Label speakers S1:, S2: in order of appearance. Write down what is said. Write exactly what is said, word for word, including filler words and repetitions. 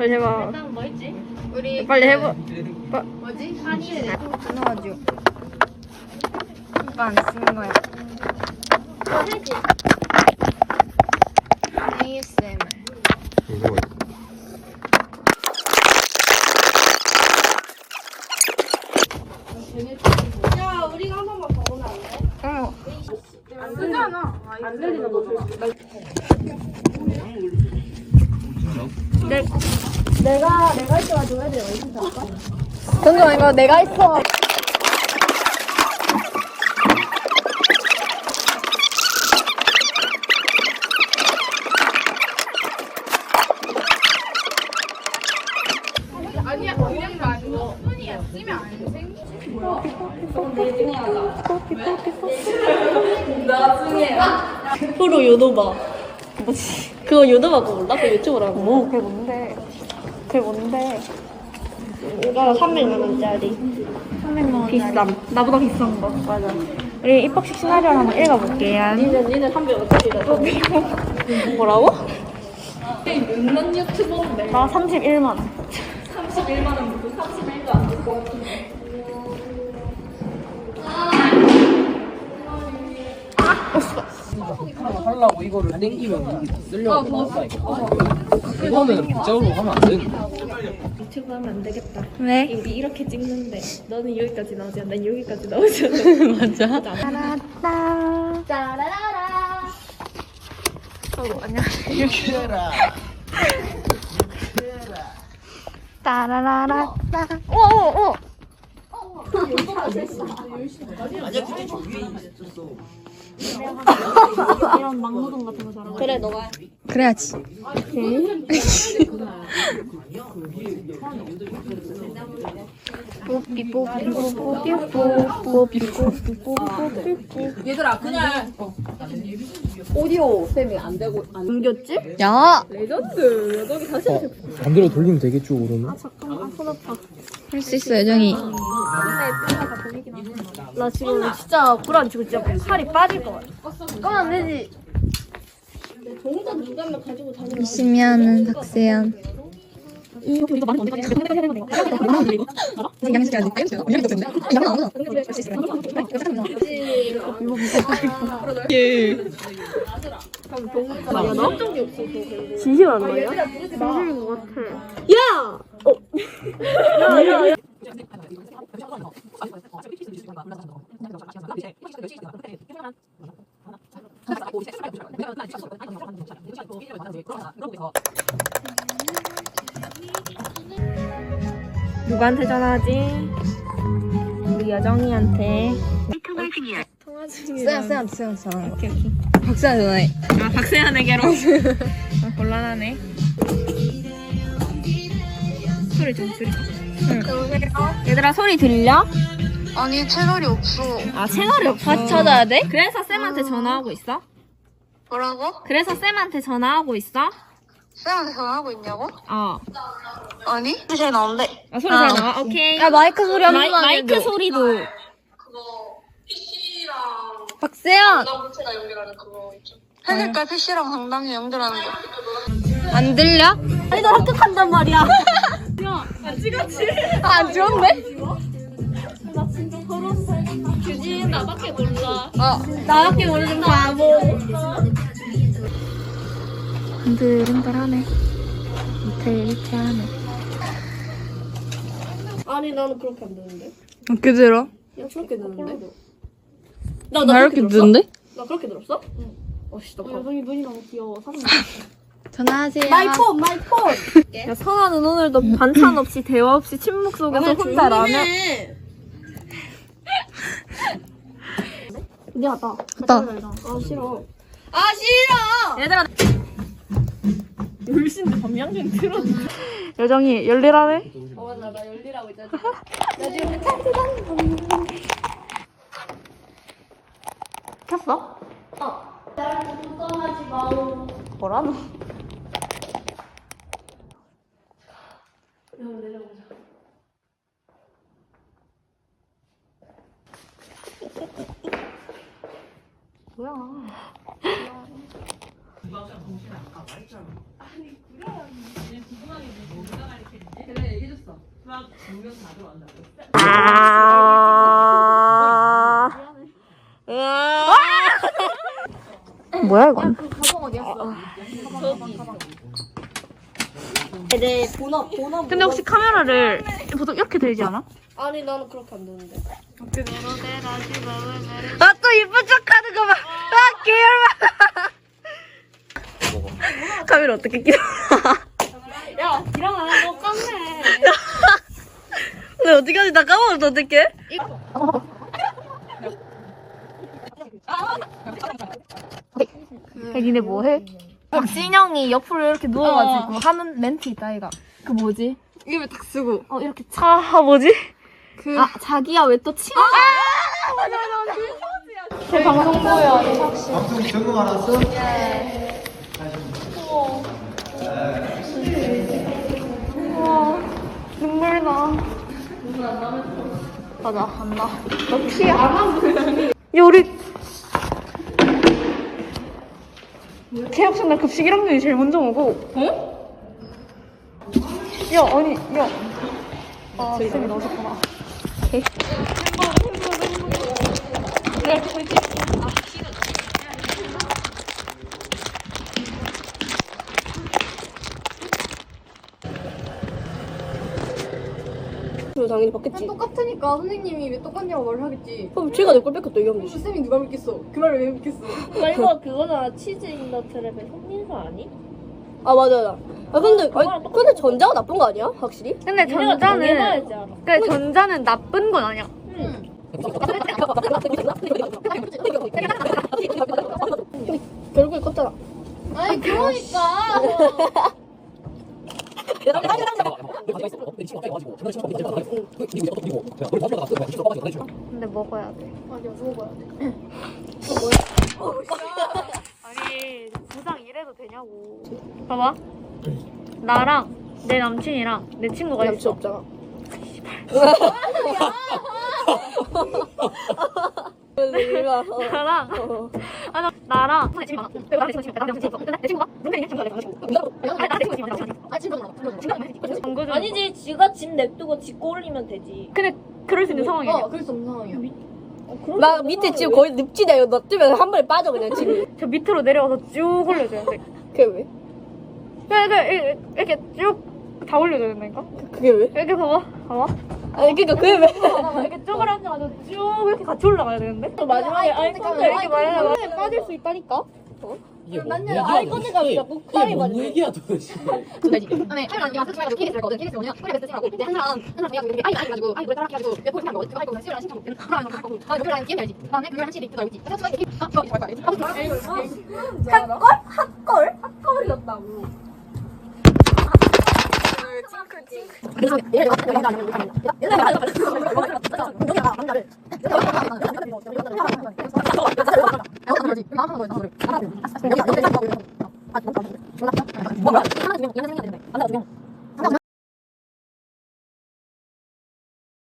S1: 빨리 해봐.
S2: 일단 뭐 있지? 우리
S1: 빨리 해봐. 빠...
S2: 뭐지? 한일
S1: 끊어가지고. 이거 안 쓰는 거야.
S2: 뭐 해지?
S1: 에이에스엠알.
S3: 이거
S2: 야 우리가 한 번만 더 오면 안 돼?
S1: 어.
S2: 안 되잖아. 안 들리는 거지.
S1: 내,
S2: 내가 내가 있어가지고 애들이 어디서 살까?
S1: 잠깐만 이거 내가 있어.
S2: 아니야 그냥 거 아니고 손이야 쓰면 안 돼. 나중에
S1: 프로 요도바. 뭐지? 그거 요도바 그거 몰라? 그 유튜브라고. 뭐? 그게 뭔데? 그게 뭔데?
S2: 이거 삼백만 원짜리.
S1: 삼백만 원 비쌈. 나보다 비싼 거. 맞아. 우리 입학식 시나리오를 한번 읽어볼게요.
S2: 니는 니는 삼백 원짜리다.
S1: 뭐라고?
S2: 몇만 유튜버인데.
S1: 나 삼십일만 원.
S2: 삼십일만 원 무슨 삼십일도 안 될 것 같은데.
S3: 하려고 이거를 땡기면 이게 쓰려고 나왔다니까. 이거는 빗자루로 하면 안 되는 거야.
S2: 유튜브 하면 안 되겠다.
S1: 왜?
S2: 우리 이렇게 찍는데 너는 여기까지 나오지 않나? 난 여기까지 나오지 않아?
S1: 맞아. 따라따.
S2: 짜라라라.
S1: 어구, 안녕하세요. 따라라라. 오오오.
S3: 아니야 그때 저 위에 있었어.
S2: 이런 막노동 같은 거 잘하고.
S1: 그래 너가. 그래야지. 뽀삐 뽀삐 뽀삐 뽀삐 뽀삐 뽀삐.
S2: 얘들아 그냥 오디오 쌤이 안 되고 안 옮겼지?
S1: 야.
S2: 레전드. 여덕이 다시
S3: 어, 반대로 돌리면 되겠죠 그러면?
S2: 잠깐만 손 아파.
S1: 할 수 있어 여정이.
S2: 나 지금 진짜 불안 치고 진짜 살이 빠질 것 같아. 그건 안 되지. 동전 두 개만 가지고 다니면
S1: 열심히 하는 박세연.
S2: 우리가 많이 언제까지 해야 되는 거야? 야, 나 적이 없어. 진심한 거야? 진심인 것 같아. 야! 어. 야, 야, 야. 누구한테 전화하지? 우리 여정이한테. 통화 중이야. 통화 중이야.
S1: 세연 세연 세연 전화.
S2: 오케이, 오케이.
S1: 박세연 전화해.
S2: 아, 박세현에게로. 아, 곤란하네. 소리 좀 줄여. 응. 얘들아, 소리 들려?
S1: 아니 채널이 없어.
S2: 아, 채널이 없어.
S1: 다시 찾아야 돼?
S2: 그래서 쌤한테 전화하고 있어?
S1: 뭐라고?
S2: 그래서 쌤한테 전화하고 있어?
S1: 쌤한테 전화하고 있냐고?
S2: 어.
S1: 아니? 잘 나온대.
S2: 아, 소리
S1: 아,
S2: 잘 나와? 오케이.
S1: 야 마이크 소리 한
S2: 마이,
S1: 번만
S2: 마이크
S1: 해줘.
S2: 소리도.
S1: 박세연.
S4: 해낼까 피씨랑 상담이 연결하는 거.
S1: 안 들려?
S2: 아니, 너 합격한단 말이야. 야, 안 찍었지?
S1: 아, 안 좋은데?
S2: 나 진짜 서러웠어. 규진, 나밖에 몰라.
S1: 어 나밖에 모르는 바보. 흔들흔들하네. 위태위태하네.
S2: 아니, 나는 그렇게 안 되는데.
S1: 어떻게 들어?
S2: 야, 그렇게 되는데?
S1: 나, 나 이렇게 듣는데?
S2: 나 그렇게 들었어? 응. 어씨, 나 여성이 눈이 너무 귀여워. 사진
S1: 전화하세요.
S2: 마이 폰, 마이 폰! 야, 선아는 오늘도 반찬 없이, 대화 없이, 침묵 속에서 혼자 라면. 미안하다.
S1: 갔다.
S2: 아, 싫어.
S1: 아 싫어.
S2: 얘들아. 울신데 밤양갱 틀어줘.
S1: 여정이 열일하네.
S2: 어, 맞아. 나 열리라고 있잖아.
S1: 켰어?
S2: 어. 나랑 걱정하지 마오.
S1: 뭐라노?
S2: 형 내려보자.
S1: 뭐야?
S2: 뭐야 이건?
S1: 내 본업 본업.
S2: 근데 혹시 카메라를 보통 이렇게 들지 않아?
S1: 아니 나는 그렇게 안 되는데.
S2: 아 또 이쁜 척하는 거 봐. 아 개열받아. 카메라 어떻게 끼워?
S1: 야 일어나 너 깜네.
S2: 근데 어떻게하지? 나 까먹었어 어떡해? 야 니네 뭐해? 박진영이 옆으로 이렇게 누워가지고 하는 멘트 있다 이가. 그 뭐지?
S1: 입을 탁 쓰고.
S2: 어 이렇게 차 아, 뭐지?
S1: 그 아 자기야 왜 또 치마?
S2: 아 맞아 맞아 맞아. 제 방송 보여 이삭 씨.
S5: 방송 점검 알았어?
S2: 눈물 나. 맞아 안 나. 역시 안 하고. 야 우리 체육생날 급식 일 학년이 제일 먼저 오고. 어? 야 아니 야. 아 쌤이 나오셨구나.
S1: 그럼 당연히 받겠지.
S6: 똑같으니까 선생님이 왜 똑같냐고 말을 하겠지.
S1: 그럼 제가 내 걸 뺏겼다 이 하면 되지.
S6: 쌤이 누가 믿겠어? 그 말을 왜 믿겠어?
S1: 아 이거 그거잖아. 치즈 인더 트랩의 손민수 아니? 아 맞아. 아 근데 아니, 근데 전자가 나쁜 거 아니야? 확실히?
S2: 근데 전자는 그래 전자는 나쁜 건 아니야.
S1: 결국에 컸잖아.
S6: 아니 그러니까.
S2: 근데 먹어야 돼.
S6: 아니야 먹어봐야 돼.
S2: 아니 부상 이래도 되냐고. 봐봐. 나랑 내 남친이랑 내 친구가
S1: 남친
S2: 있어.
S1: 없잖아.
S2: 나랑 아, 나, 나랑 친구 많아. 그리고 나랑 내 친구 나랑 친구 있어. 내 친구가 룸메이트 친구가 내 친구. 아니 나랑 내 친구 있어.
S6: 아 진짜 몰라.
S2: 광고 좀.
S1: 아니지, 지가 집 냅두고 집 꼴리면 되지.
S2: 근데 그럴 수 있는 상황이야.
S6: 어 그래서 없는 상황이야.
S1: 나 밑에 지금 거의 늪지대요. 너 뜨면 한 번에 빠져 그냥 집이.
S2: 저 밑으로 내려와서 쭉 올려줘야 돼.
S1: 그게 왜?
S2: 그러니까 이렇게, 이렇게 쭉 다 올려줘야 된다니까?
S1: 그게 왜?
S2: 이렇게 봐봐. 봐봐.
S1: 아니 그니까 그게 왜?
S2: 이렇게 쪼그려 앉아가지고 쭉 이렇게 같이 올라가야 되는데?
S1: 마지막에 아이 컨택
S2: 이렇게 말해봐.
S1: 빠질 수 있다니까?
S3: 이게 뭔
S1: 난
S3: 얘기야?
S1: 아이 컨택 하면 자꾸
S3: 이게
S1: 칼이
S3: 뭔
S1: 맞네.
S3: 얘기야 도대체?
S6: 그다음에 카메라 언니가 스트레스 가지고 케이스를 거든. 케이스 뭐냐? 코리아 베스트 하고 이제 한 사람 한 사람 해가지고 아이 아이 가지고 아이 노래 따라 해가지고 몇 포인트 한 거. 그거 할 거면 시우랑 신청 못 그러면 할 거고. 아 노래랑 게임 알지? 그다음에 그걸 한 시리 또 알지? 그래서 수학이 아 저거 이거 알지?
S1: 핫걸? 핫걸? 핫걸이었다고.
S6: 그래서 얘를 내가 내가 아니면 이렇게 하면 얘가 내가 내가 남자를 내가 남자를 여기 여기